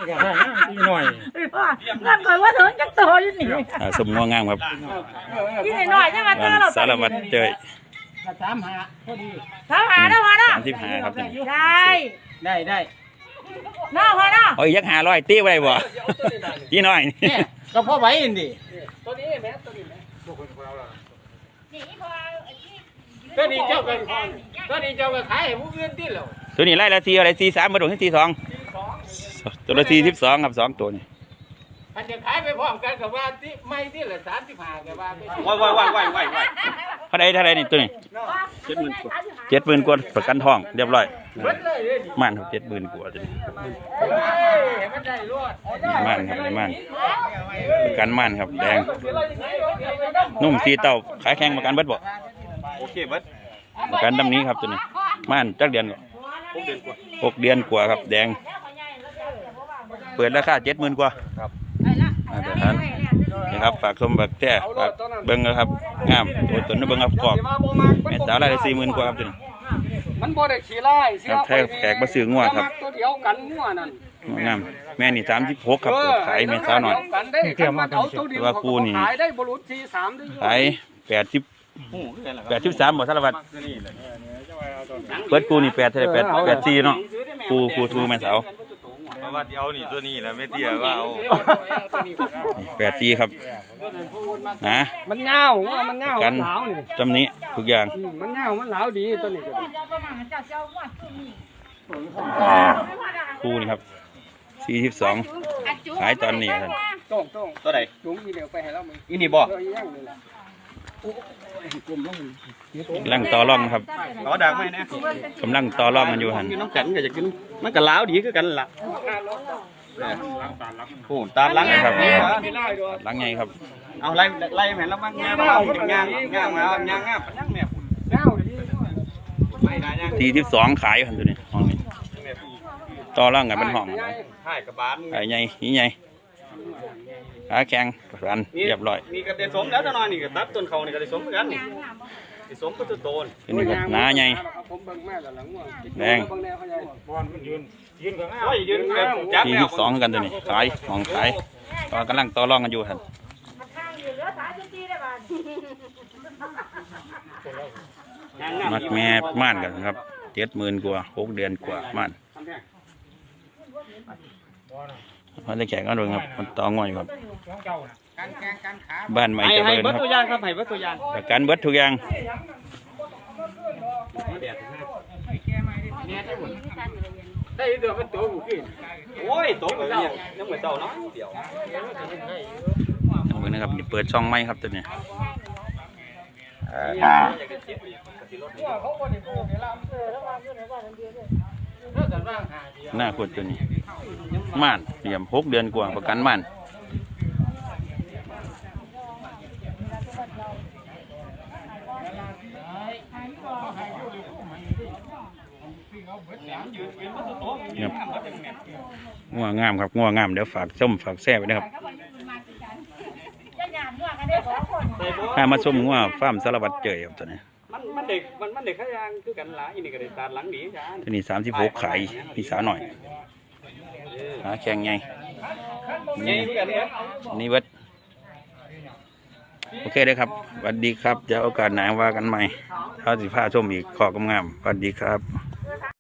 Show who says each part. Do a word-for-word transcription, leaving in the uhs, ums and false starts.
Speaker 1: อยากได้อีหน่อย
Speaker 2: เงินคอยว่าถึงจักโตอยู่นี่
Speaker 3: สมงงามครับ
Speaker 2: อีหน่อยใช่ไหมตัวเรา
Speaker 3: สารวัตรเจย
Speaker 1: สามหาพอดี
Speaker 2: สามหาเนาะพอเนาะ
Speaker 3: สามสิบห้าครับ
Speaker 2: ได้
Speaker 1: ได้ได้
Speaker 2: เนาะพอเนาะ
Speaker 3: โอ้ยยักหาร้อยตีไว้บ่ยี่น้อย
Speaker 1: นี่ก็พ่อไว้อินดิตัวนี้แม่ตัวนี้แม่ตัวนี้เจ้ากันตัวนี้เจ้ากันขายให้ผู้อื่นที่แล้ว
Speaker 3: ตัวนี้ไล่ละสี่อะไรสี่สามมาดูที่สี่สองตัวละสี่สิบสองครับสองตัวนี่
Speaker 1: อันจะขายไปพร้อมกันกับว่าที่ไม่ที่ละสามสิบห้ากับว่า
Speaker 3: ว้ายว้ายว้ายว้ายว้ายว้ายเท่าไรเท่าไรนี่ตัวนี้เจ็ดหมื่นกว่าเจ็ดหมื่นกว่าประกันทองเรียบร้อยม่านครับเจ็ดหมื่นกว่าตัวนี้ม่านครับในม่านประกันม่านครับแดงนุ่มสีเต่าขายแข่งประกันเบิดบ่โอเคเบิดประกันดำนี้ครับตัวนี้ม่านจักเดือนหกเดือนกว่าครับแดงเปิดราคาเจ็ดหมื่นกว่าครับเดี๋ยวท่านนี่ครับฝากชมแบบแท้ฝากเบิ้งนะครับงามตัวตนนี้เบิ้งครับกรอบแม่สาวรายได้สี่หมื่นกว่าครับตัวนี้
Speaker 1: มันบ่ได้ขี้ไล่
Speaker 3: ครับแท้แขกมาซื้องัวครับ
Speaker 1: ตัวเดียวกันงัวนั่น
Speaker 3: งามแม่นี่สามสิบหกครับขายแม่สาวหน่อยแต่ว่ากูนี่
Speaker 1: ขายได้บรุษที่สาม
Speaker 3: ขายแปดสิบแปดสิบสามบ่สารวัตรเปิดกูนี่แปดเท่าไรแปดแปดสี่เนาะกูกูทูแม่สาว
Speaker 4: เพราะว่าเดี๋ยวนี่ตัวนี้แหละไม่เตี้ยว่าเอา
Speaker 3: แปดสี่ครับนะ
Speaker 1: มันเงามันเงา
Speaker 3: กันจำนี้ทุกอย่าง
Speaker 1: มันเงามันเหลาดีตัวนี้
Speaker 3: คู่นี่ครับสี่สิบสองขายตอนนี้ท่าน
Speaker 4: ตัวไหน
Speaker 1: จุงอีเดียวไปให้เรามั้ย
Speaker 4: อีนี่บ่
Speaker 3: กำลังต่อร่องครับ
Speaker 4: ล้อดังไหมนะ
Speaker 3: กำลังต่อร่องกันอยู่หัน
Speaker 4: น้องกันก็จะกินมันก็ล้าวดีคือกันล่ะโอ้ตามล้าง
Speaker 3: ครับล้างไงครับ
Speaker 4: เอาไล่ไล่แม่นแล้วมันงามเอางามงามงามงามงามยังแม่ฝุ่น
Speaker 3: สี่สิบสองขายหันตัวนี้ห้องนี้ต่อร่องกันเป็นห้อง
Speaker 4: ใช่กระบาล
Speaker 3: ไอ้ใหญ่นี่ใหญ่ขาแข็งรันเรียบร้อย
Speaker 4: นี่ก็เดสมแล้วตอนนี้ก็ตัดต้นเขานี่ก็เดสมกันนี่เดสมก็จะโตน
Speaker 3: นี่ก็หนาใหญ่แดงสี่สิบสองกันตัวนี้ขายห้องขายตอนกำลังต่อร่องกันอยู่ท่านมัดแม่ม่านกันครับเจ็ดหมื่นกว่าหกเดือนกว่าม่านมันจะแข่งกันด้วยครับมันต่องอยครับบ้านใหม่เจริญครับ
Speaker 4: ให้เบิดตัวอย่างครับให้เบิดตัวอย่าง
Speaker 3: ประกันเบิดทุกอย่าง
Speaker 1: ได้เดือดเป็นตัวกูกิน
Speaker 4: โอ้ยตัวกูเนี่ยยังไม่เต่าเนาะเดี๋ยว
Speaker 3: เหมือนนะครับเปิดช่องไม้ครับตัวนี้หน้าคนตัวนี้ม่านเตรียมหกเดือนกว่าประกันม่านงัวงามครับงัวงามเดี๋ยวฝากส้มฝากแซ่ไปนะครับถ้ามาส้มงัวฟาร์มสารวัตรเจยครับตัวนี้
Speaker 4: มันมันเด็กมันมันเด็กขยางคือกันหลายอีนี่ก็ได้ตาหลังดีจ้า
Speaker 3: ตัวนี้สามสิบหกขายพี่สาวหน่อยหาแข่งไงนี่นี่เวทโอเคเลยครับสวัสดีครับจะโอกาสหนาว่ากันใหม่ถ้าสิพาชมอีกขอกำงามสวัสดีครับ